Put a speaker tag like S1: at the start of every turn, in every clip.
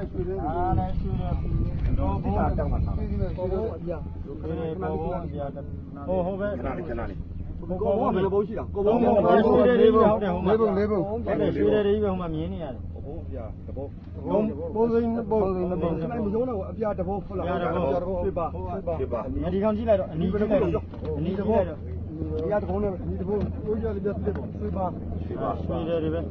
S1: တော့ဘောတောက်မှာဆောင်းဘောအပြဘောအပြဟိုပဲခဏလေးကိုဘောဘယ်လိုဘောရှိတာကိုဘောရွှေတွေဟုတ်တယ်ဟိုမှာဟုတ်တယ်ရွှေတွေပဲဟိုမှာမြင်နေရတယ်ဘောအပြတဘောဘောစိမ်းဘောစိမ်းမရုံးတော့အပြတဘောဖုတ်လာအပြတဘောရွှေပါဒီကောင်ကြည့်လိုက်တော့အနီးကြည့်လိုက်တော့အနီးတဘောဒီကတဘောနဲ့ဒီတဘောကိုကြရတယ်ပြတ်တယ်ပေါ့ရွှေပါရွှေတွေပဲ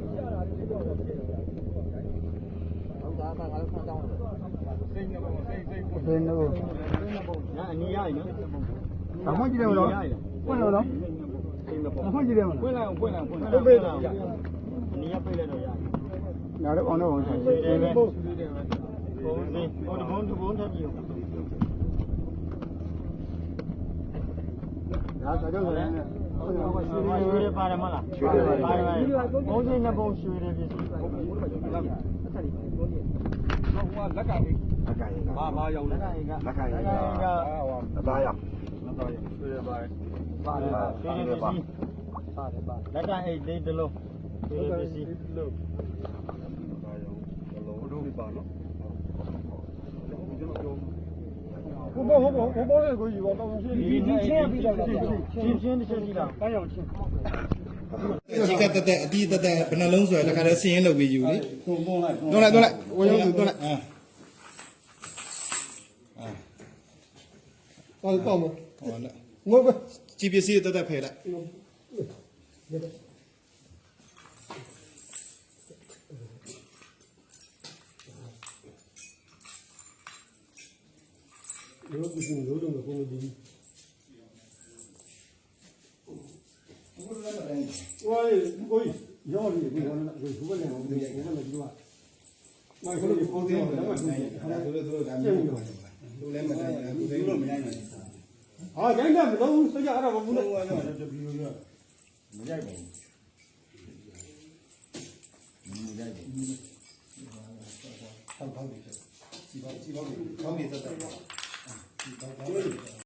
S1: ဘယ်လိုညာအနီးရည်နော်ဘာမှကြည့်တယ်မလို့ပွင့်လို့နော်ဘာမှကြည့်တယ်မလို့ပွင့်လိုက်အောင်ပွင့်ပေးတော့အနီးရပိတ်လိုက်တော့ရတယ်နားတော့အောင်တော့ဆိုင်တယ်ပဲဘုံစီဟိုတဘုံထပ်ကြည့်ဒါဆိုတော့လည်းရွှေတွေပါတယ်မလားရွှေတွေပါတယ်ဘုံစီနှစ်ဘုံရွှေတွေပြည့်စုံလက်ကရေးဘာရောက်လဲလက်ကရေးကအသားရောက်ရွှေရပါတယ်ရွှေရပါလက်ကရေးလေးတလုံးရွှေရပစ္စည်းလို့ဘာရောက်တလုံးတို့ပါနော်ဘောလေးကိုယူတော့ဒီချင်းပြီးတော့ချင်းတစ်ချက်ကြည့်လားပန်းရောင်ချင်း
S2: ဒီကတက်အတီးတက်ဘယ်နှလုံးဆိုရတခါတည်းစင်းရင်လုပ်ပြီးယူလေသွန်းလိုက်ဝေယုံသွန်းလိုက်
S1: ပေါ့မ
S2: ဟောလက်
S1: ငုတ်ပဲ
S2: ကြည်ပစ္စည်းတက်ဖယ်လိုက်
S1: ရိုးပြီးရိုးတော့ကိုမဒီဝိုင်းကိုရော်ရီကိုလည်းကိုဘယ်နဲ့ကိုလည်းဒီကမိုက်ခလေးပုံစံတော့မတူဘူးခါတို့ဒါမျိုးလူလည်းမတိုင်းဘူးသူတို့မရိုက်နိုင်ဘူးဟာရိုက်တယ်မလို့စကြအဲ့ဒါဘူးလို့တပီရောမရိုက်ပါဘူးမရိုက်ဘူးဆောက်တယ်စီပါကောင်းနေတတ်တယ်